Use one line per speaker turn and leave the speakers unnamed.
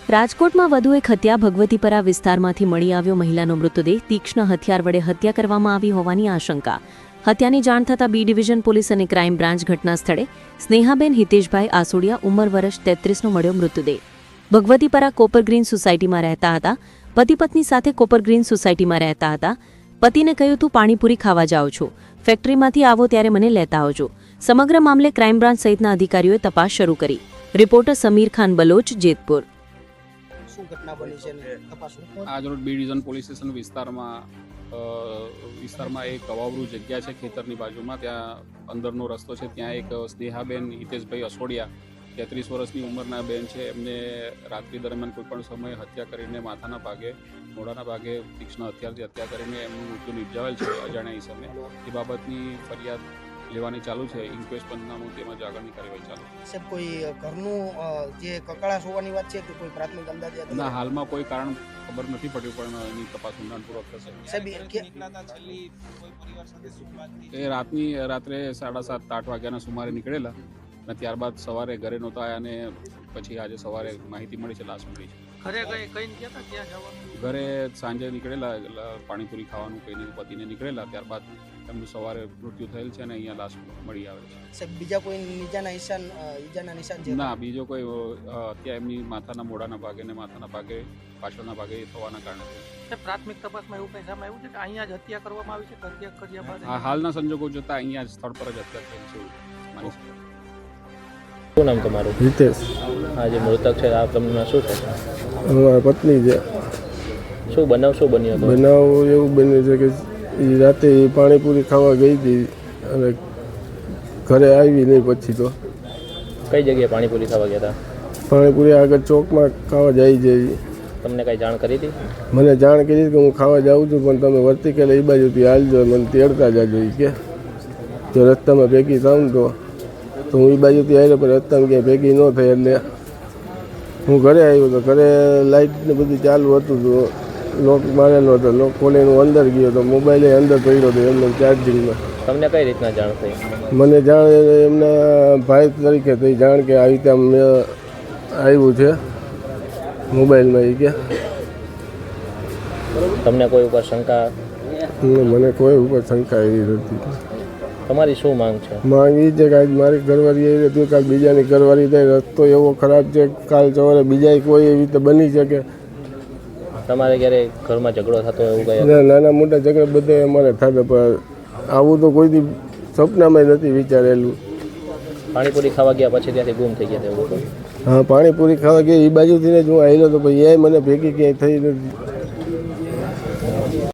રાજકોટમાં વધુ એક હત્યા ભગવતીપરા વિસ્તારમાંથી મળી આવ્યો મહિલાનો મૃતદેહ તીક્ષ્ણ હથિયાર વડે હત્યા કરવામાં આવી હોવાની આશંકા હત્યાની જાણ થતાં બી ડિવિઝન પોલીસ અને ક્રાઇમ બ્રાન્ચ ઘટના સ્થળે સ્નેહાબેન હિતેશભાઈ આસોડિયા ઉંમર વર્ષ 33નો મળ્યો મૃતદેહ ભગવતીપરા કોપર ગ્રીન સોસાયટીમાં રહેતા હતા પતિ પત્ની સાથે કોપર ગ્રીન સોસાયટીમાં રહેતા હતા પતિને કહ્યું તું પાણીપુરી ખાવા જાઉં છું ફેક્ટરીમાંથી આવો ત્યારે મને લેતા આવજો સમગ્ર મામલે ક્રાઇમ બ્રાન્ચ સહિતના અધિકારીઓએ તપાસ શરૂ કરી રિપોર્ટર સમીર ખાન બલોચ જેતપુર
આજરોજ બી ડિવિઝન પોલીસ સ્ટેશન વિસ્તારમાં એક અવાવરૂ જગ્યા છે ખેતરની બાજુમાં ત્યાં અંદરનો રસ્તો છે ત્યાં એક સ્નેહાબેન હિતેશભાઈ અસોડિયા 33 વર્ષની ઉંમરના બેન છે એમને રાત્રિ દરમિયાન કોઈપણ સમયે હત્યા કરીને માથાના ભાગે મોઢાના ભાગે તીક્ષ્ણ હથિયારથી હત્યા કરીને એમનું મૃત્યુ નિપજાવેલ છે અજાણ્યા સમયે એ બાબતની ફરિયાદ લેવાની ચાલુ છે ઇન્ક્વેસ્ટ પંચનામું તેમજ આગળની કાર્યવાહી ચાલુ
સાહેબ કોઈ ઘરનું જે કકળાશ હોવાની વાત છે કે કોઈ પ્રાથમિક અંદાજે
ના હાલમાં કોઈ કારણ ખબર નથી પડ્યું પણ એની તપાસ ઊંડાણપૂર્વક થશે એ રાત્રે 7:30-8 વાગ્યાના સુમારે નીકળેલા અને ત્યારબાદ સવારે ઘરે નહોતા આવ્યા અને પછી આજે સવારે માહિતી મળી છે લાશ મળી છે ઘરે સાંજે નીકળેલા પાણીપુરી ખાવાનું કહીને પતિને નીકળેલા ત્યારબાદ એમનું સવારે મૃત્યુ થયેલ છે અને અહીંયા લાશ મળી આવે છે
બીજા કોઈ ઈજાના નિશાન છે
ના બીજો કોઈ અત્યારે એમની માથાના મોઢાના ભાગે ને માથાના ભાગે પાછળના ભાગે થવાના કારણે
પ્રાથમિક તપાસમાં એવું કંઈ સામે આવ્યું છે કે અહીંયા જ હત્યા કરવામાં આવી છે હત્યા કર્યા બાદ
હાલના સંજોગો જોતા અહીંયા જ સ્થળ પર જ હત્યા થઈ છે માની છે
શું નામ તમારું?
હિતેશ.
આ જે મૃતક છે આ તમને શું છે?
અમારા પત્ની છે.
શું બન્યો હતો?
બનાવ એવું બન્યું છે કે એ રાતે પાણીપુરી ખાવા ગઈ હતી અને ઘરે આવી નહીં પછી તો
કઈ જગ્યાએ પાણીપુરી ખાવા ગયા હતા?
પાણીપુરી આગળ ચોકમાં ખાવા જાય છે.
તમને કઈ જાણ કરી હતી?
મને જાણ કરી કે હું ખાવા જાઉં છું પણ તમે વર્તી કે એ બાજુથી હાલજો મને તેડતા જાજો કે જો રસ્તામાં ભેગી થાવ ને તો હું એ બાજુથી આવ્યો પણ રસ્તામાં ક્યાંય ભેગી ન થઈ એટલે હું ઘરે આવ્યો તો ઘરે લાઇટ ને બધું ચાલુ હતું તો લોક મારેલો હતો લોક ખોલીને હું અંદર ગયો તો મોબાઈલ અંદર પડ્યો હતો એમને ચાર્જિંગમાં.
તમને કઈ રીતના જાણ થઈ?
મને જાણ એમના ભાઈ તરીકે થઈ જાણ કે આવી રીતે મેં આવ્યું છે મોબાઈલમાં એ કે
તમને કોઈ ઉપર શંકા?
મને કોઈ ઉપર શંકા એવી નથી.
તમારી શું માંગ છે?
માંગ એ છે કે આજ મારી ઘરવાળી એવી હતી કાલ બીજાની ઘરવાળી થાય રસ્તો એવો ખરાબ છે કાલ સવારે બીજા કોઈ એવી રીતે બની શકે.
તમારે ક્યારે ઘરમાં ઝઘડો થતો એવું કઈ?
નાના મોટા ઝઘડા બધા અમારે થતા પણ આવું તો કોઈથી સપનામાં નથી વિચારેલું.
પાણીપુરી ખાવા ગયા પછી ત્યાંથી ગુમ થઈ ગયા એવું?
હા પાણીપુરી ખાવા ગયા એ બાજુથી જ હું આવેલો તો પછી એ મને ભેગી ક્યાંય થઈ નથી.